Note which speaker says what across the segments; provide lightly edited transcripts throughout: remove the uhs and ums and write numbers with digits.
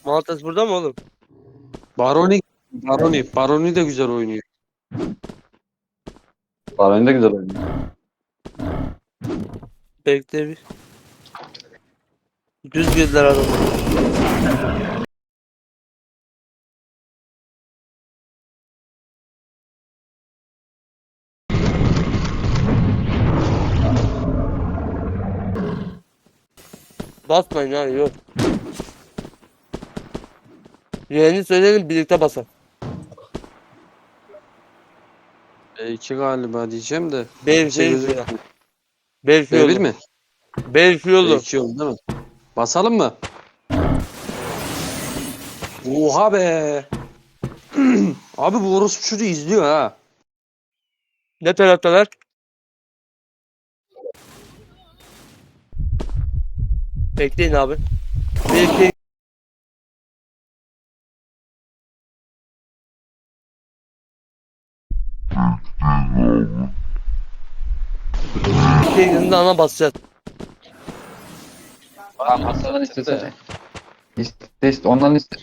Speaker 1: Maltas burada mı oğlum?
Speaker 2: Baroni de güzel oynuyor.
Speaker 3: Baron da güzel oynuyor.
Speaker 1: Bekle bir. Düz girdiler adamı. Basmayın ya yok. Yeğeni söyleyelim birlikte basalım.
Speaker 2: B2 galiba diyeceğim de.
Speaker 1: B2
Speaker 2: Bir şey
Speaker 1: ya.
Speaker 2: gözükmüyor.
Speaker 1: B2
Speaker 2: B1
Speaker 1: yolu.
Speaker 2: mi?
Speaker 1: B2 yolu.
Speaker 2: B2 yolu değil mi? Basalım mı? Oha be. Abi bu orospu çocuğu izliyor ha.
Speaker 1: Ne taraftalar? Bekleyin abi. B2 yanında ana basacağız.
Speaker 3: Tamam Hasan'dan istesene. İste ondan iste.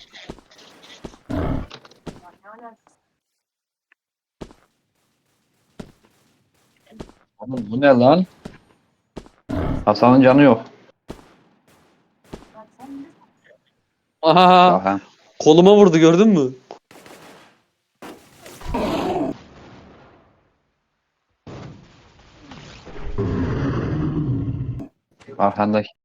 Speaker 3: Oğlum bu ne lan? Hasan'ın canı yok.
Speaker 2: Aha.
Speaker 3: Daha.
Speaker 2: Koluma vurdu gördün mü?
Speaker 3: Arkanda